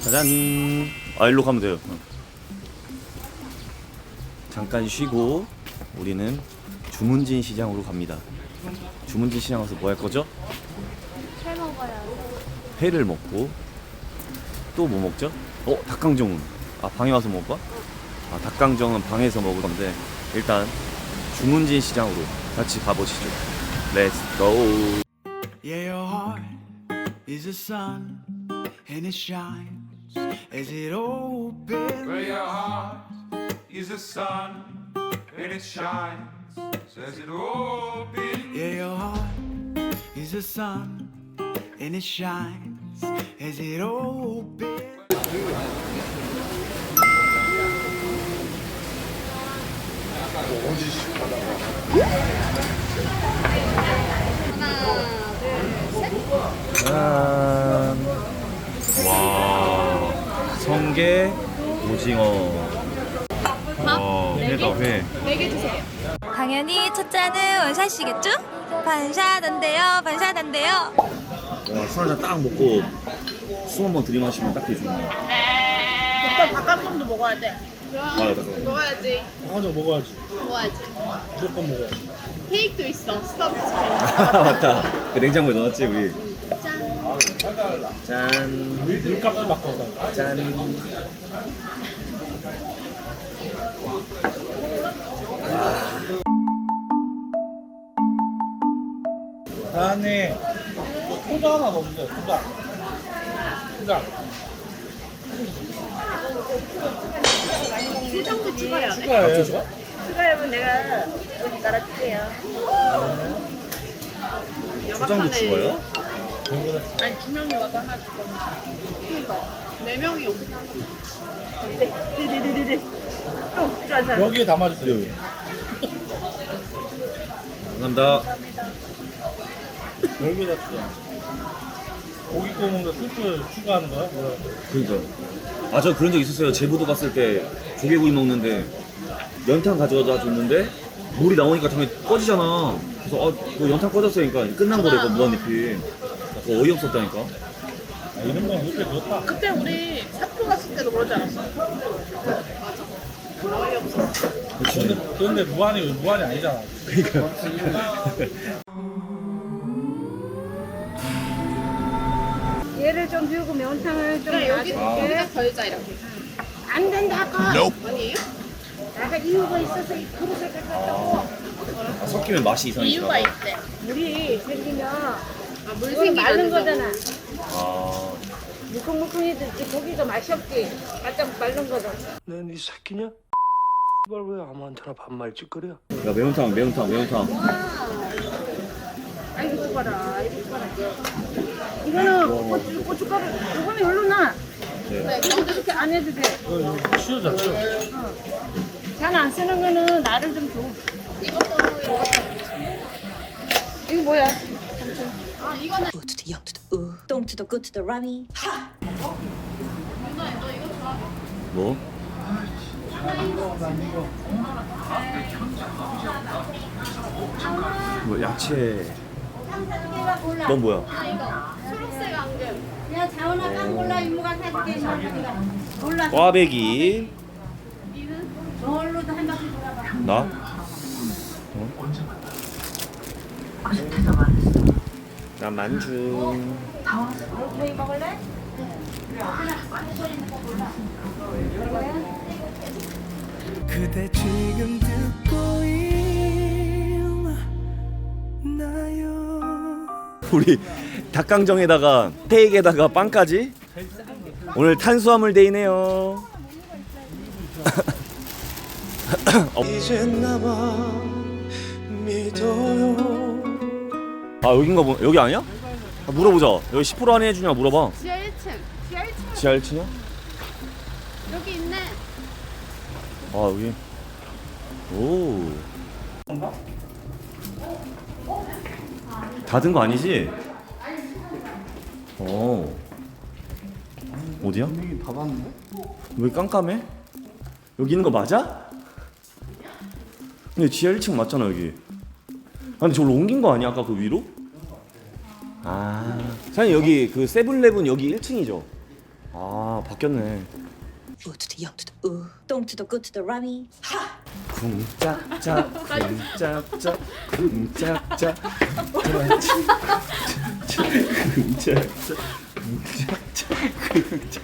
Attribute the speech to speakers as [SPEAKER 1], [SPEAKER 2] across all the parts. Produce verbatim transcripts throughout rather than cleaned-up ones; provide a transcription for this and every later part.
[SPEAKER 1] 짜잔. 아, 일로 가면 돼요. 잠깐 쉬고 우리는 주문진 시장으로 갑니다. 주문진 시장 가서 뭐 할 거죠?
[SPEAKER 2] 회 먹어요.
[SPEAKER 1] 회를 먹고 또 뭐 먹죠? 어, 닭강정은. 아, 방에 와서 먹을까? 아, 닭강정은 방에서 먹을 건데 일단 주문진 시장으로 같이 가보시죠. Let's go.
[SPEAKER 3] Yeah, your heart is a sun and it shines as it opens.
[SPEAKER 4] Where your heart is a sun and it shines, says it opens.
[SPEAKER 3] Yeah, your heart is a sun and it shines as it opens.
[SPEAKER 1] 짠. 와, 성게, 오징어. 와, 회다 회.
[SPEAKER 2] 네 개 주세요.
[SPEAKER 5] 당연히 첫 잔은 원샷이겠죠? 반샷 안 돼요, 반샷 안 돼요.
[SPEAKER 1] 와, 술 한잔 딱 먹고 술 한번 들이마시면 딱 되죠.
[SPEAKER 2] 오빠 닭강정도 먹어야 돼.
[SPEAKER 1] 아, 잠깐만.
[SPEAKER 2] 먹어야지.
[SPEAKER 6] 닭강정 먹어야지.
[SPEAKER 2] 먹어야지.
[SPEAKER 6] 무조건 먹어야지.
[SPEAKER 2] 케이크도 있어. 스타벅스 케이크.
[SPEAKER 1] 아, 맞다. 그 냉장고에 넣었지 우리.
[SPEAKER 2] 짠.
[SPEAKER 1] 짠.
[SPEAKER 6] 물값을 바꿔.
[SPEAKER 1] 짠.
[SPEAKER 6] 안에 소주 하나 넣어주세요. 소주. 소주.
[SPEAKER 2] 수정도 추가해야 돼.
[SPEAKER 6] 추가해요.
[SPEAKER 2] 추가하면 내가 여기 깔아줄게요.
[SPEAKER 1] 초장도 추가요?
[SPEAKER 2] 아니 두 명이 와서 하나 줄 거니까. 그러니까 네 명이 여기 하나. 네, 네네네네. 또 필요한 사람.
[SPEAKER 6] 여기에 담아주세요.
[SPEAKER 1] 감사합니다.
[SPEAKER 6] 여기에다 추가. 고기 구워 먹는 스프 추가하는 거야? 뭐야?
[SPEAKER 1] 그러니까. 아, 저 그런 적 있었어요. 제부도 갔을 때 조개구이 먹는데 연탄 가져다 줬는데 물이 나오니까 당연히 꺼지잖아. 그래서 아, 뭐 연탄 꺼졌으니까 끝난 거래, 그 무한리필. 어, 어이없었다니까.
[SPEAKER 6] 아, 이런 건 이렇게 좋다.
[SPEAKER 2] 그때 우리 사표 갔을 때도 그러지 않았어? 맞아. 어이없어.
[SPEAKER 1] 그치.
[SPEAKER 6] 근데, 근데 무한이 무한이 아니잖아.
[SPEAKER 7] 얘를 좀 비우고 면탕을 좀
[SPEAKER 2] 그래 여기
[SPEAKER 7] 놔줄게.
[SPEAKER 2] 여기다 걸자 이렇게.
[SPEAKER 7] 안 된다 아까
[SPEAKER 2] 아니에요?
[SPEAKER 7] 내가 이유가 있어서 이 그릇을 갖다고
[SPEAKER 1] 아, 섞이면 맛이 이상해져.
[SPEAKER 2] 이유가 있대.
[SPEAKER 7] 물이 생기면
[SPEAKER 2] 아, 물
[SPEAKER 7] 그건
[SPEAKER 2] 생기가
[SPEAKER 7] 마른
[SPEAKER 2] 안
[SPEAKER 7] 거잖아.
[SPEAKER 1] 아,
[SPEAKER 7] 물컹물컹해졌지 고기가 맛이 없지. 바짝 마른 거잖아.
[SPEAKER 8] 넌 이 새끼냐? 이걸 왜 아무한테나 반말 짓거려?
[SPEAKER 1] 야, 매운탕, 매운탕, 매운탕.
[SPEAKER 7] 아이고 죽어라 아이고 죽어라. 이거는 고추, 고춧가루 이거는 여기로 놔.
[SPEAKER 2] 네,
[SPEAKER 7] 이것도 이렇게 안 해도 돼.
[SPEAKER 6] 이거 치우자, 치우.
[SPEAKER 7] 잘 안 쓰는 거는 나를 좀 줘.
[SPEAKER 2] 이것도 이거.
[SPEAKER 7] 이거 뭐야?
[SPEAKER 2] 아 이거는
[SPEAKER 5] U to the young to the u, 똥 to the good to the rummy.
[SPEAKER 2] 누나 너 이거 좋아.
[SPEAKER 1] 뭐? 뭐 야채. 넌 뭐야?
[SPEAKER 2] 아 이거 초록색 안경.
[SPEAKER 7] 야 자원아 빵 골라 이모가 사줄게. 몰라.
[SPEAKER 1] 꽈배기.
[SPEAKER 7] 저걸로도 한 바퀴 돌아봐.
[SPEAKER 1] 나? 어? 나 만주.
[SPEAKER 7] 저희 먹을래?
[SPEAKER 3] 그대 지금 듣고 있나요?
[SPEAKER 1] 우리 닭강정에다가 스테이크에다가 빵까지. 오늘 탄수화물 데이네요. 어.
[SPEAKER 3] 이젠 나만 믿어요.
[SPEAKER 1] 아, 여긴가 보. 여기 아니야? 아, 물어보자. 여기 십 퍼센트 할인 해주냐 물어봐.
[SPEAKER 2] 지하 일 층. 지하 일 층.
[SPEAKER 1] 지하 일 층이야?
[SPEAKER 2] 여기 있네.
[SPEAKER 1] 아, 여기. 오. 닫은 거 아니지? 어. 어디야?
[SPEAKER 6] 닫았는데?
[SPEAKER 1] 왜 깜깜해? 여기 있는 거 맞아? 근데 지하 일 층 맞잖아 여기. 아, 근데 저걸 옮긴 거 아니야 아까 그 위로? 아, 사장님 여기 그 세븐일레븐 여기 일 층이죠? 아 바뀌었네.
[SPEAKER 9] 우 to the 영 to the 우, 똥 to the 구 to the 라미.
[SPEAKER 1] 쿵짝짝 쿵짝짝 쿵짝짝 쿵짝짝 쿵짝짝.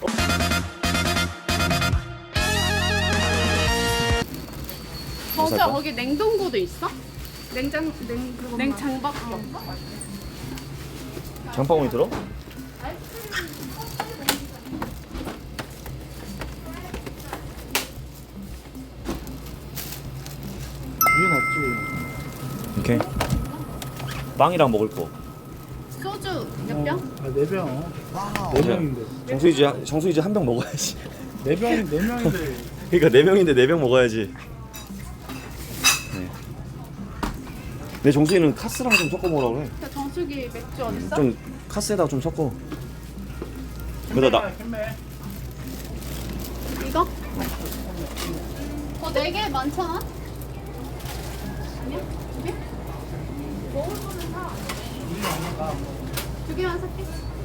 [SPEAKER 2] 버스 거기 냉동고도 있어? 냉장 냉 그거 냉장밖에 없어?
[SPEAKER 1] 장바구니 들어?
[SPEAKER 6] 위에 놨지.
[SPEAKER 1] 오케이. 빵이랑 먹을 거.
[SPEAKER 2] 소주 몇 병?
[SPEAKER 6] 아, 네 병. 네 병인데.
[SPEAKER 1] 정수이지 정수이지 한 병 먹어야지.
[SPEAKER 6] 네 병이 네 명인데.
[SPEAKER 1] 그러니까 네 명인데 네 병 먹어야지. 네. 내 정수이는 카스랑 좀 섞어 먹으라 그래.
[SPEAKER 2] 야, 정수기 맥주 어딨어?
[SPEAKER 1] 좀 카스에다가 좀 섞어. 그러다 나
[SPEAKER 2] 이거? 어, 네 개 많잖아? 아니야? 두 개? 먹을 거는 사. 두 개만 살게.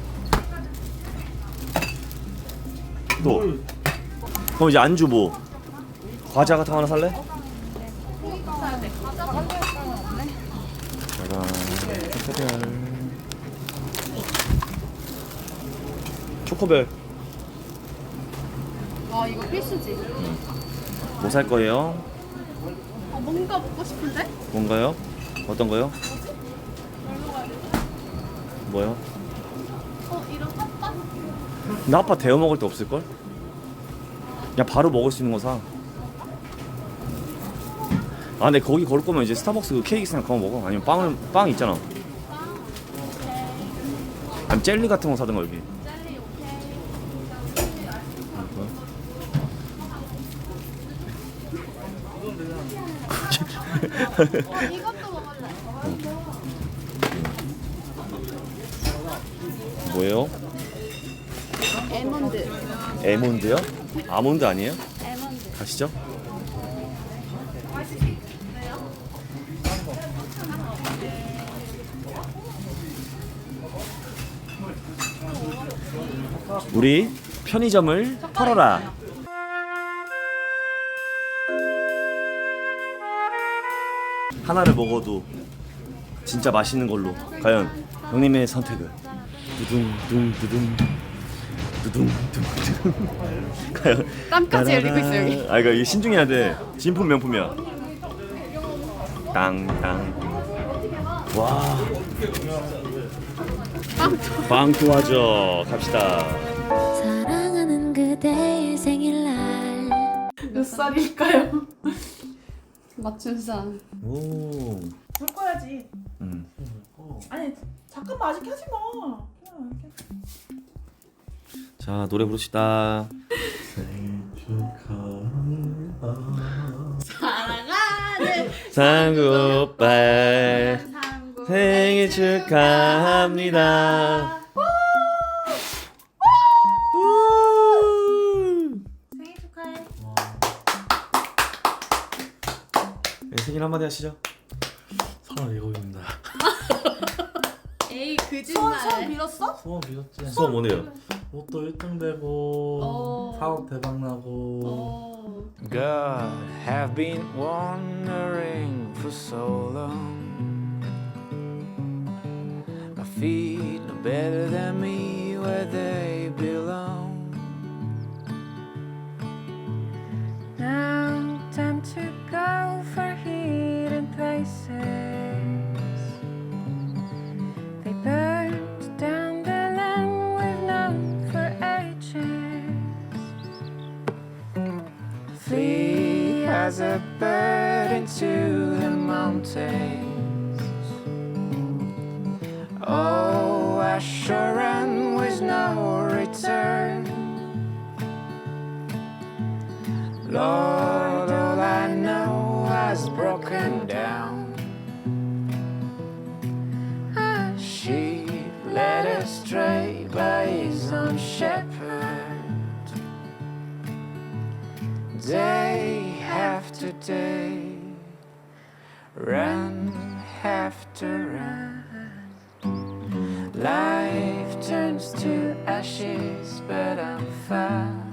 [SPEAKER 1] 또. 그럼 이제 안주 뭐? 과자 같은 거 하나 살래?
[SPEAKER 2] 사야 돼. 과자 먹을 거는 없네.
[SPEAKER 1] 짜잔. 초코별. 초코별.
[SPEAKER 2] 아, 이거 필수지.
[SPEAKER 1] 뭐 살 거예요?
[SPEAKER 2] 어, 뭔가 먹고 싶은데?
[SPEAKER 1] 뭔가요? 어떤 거요? 뭐요?
[SPEAKER 2] 어, 이런 핫바?
[SPEAKER 1] 나 아빠 데워 먹을 데 없을걸? 그냥 바로 먹을 수 있는 거 사. 아, 근데 거기 걸을 거면 이제 스타벅스 그 케이크 생각 그거 먹어. 아니면 빵을 빵 있잖아. 아니면 젤리 같은 거 사든가 여기.
[SPEAKER 2] 젤리 오케이. 어, 이것도 먹을래.
[SPEAKER 1] 뭐예요?
[SPEAKER 2] 에몬드.
[SPEAKER 1] 에몬드요? 아몬드 아니에요?
[SPEAKER 2] 에몬드.
[SPEAKER 1] 가시죠. 우리 편의점을 털어라. 하나를 먹어도 진짜 맛있는 걸로. 과연 형님의 선택은 두둥 두둥 두둥 두둥. 과연
[SPEAKER 2] 땀까지 흘리고 있어, 여기.
[SPEAKER 1] 아 이거 이거 신중해야 돼. 진품 명품이야. 땅땅. 와. 빵 좋아져. 갑시다.
[SPEAKER 5] 사랑하는 그대의 생일날
[SPEAKER 2] 몇 살일까요? 맞춘상.
[SPEAKER 1] 오.
[SPEAKER 7] 불 꺼야지.
[SPEAKER 1] 음.
[SPEAKER 7] 아니 잠깐만 아직 하지 마. 그냥 이렇게.
[SPEAKER 1] 자 노래 부릅시다.
[SPEAKER 2] 사랑하는
[SPEAKER 1] 상구 오빠
[SPEAKER 2] 상구
[SPEAKER 1] 생일 축하합니다.
[SPEAKER 7] 생일 축하해.
[SPEAKER 1] 네, 생일 한마디 하시죠.
[SPEAKER 6] 사람 이거입니다.
[SPEAKER 2] 에이
[SPEAKER 7] 소원
[SPEAKER 2] 거짓말.
[SPEAKER 7] 소원 빌었어?
[SPEAKER 6] 소원 빌었지.
[SPEAKER 1] 수업 뭐네요?
[SPEAKER 6] 옷도 일 등 되고
[SPEAKER 2] 어.
[SPEAKER 6] 사업 대박 나고.
[SPEAKER 2] 어.
[SPEAKER 3] God, have been wandering for so long. My feet know better than me where they belong.
[SPEAKER 5] Now time to go for hidden places. They burned down the land we've known for ages.
[SPEAKER 3] Flee as a bird into the mountains. Oh, I sure run with no return. Lord, all I know has broken down. A sheep led astray by his own shepherd. Day after day, run after run. Life turns to ashes
[SPEAKER 5] bed and fat.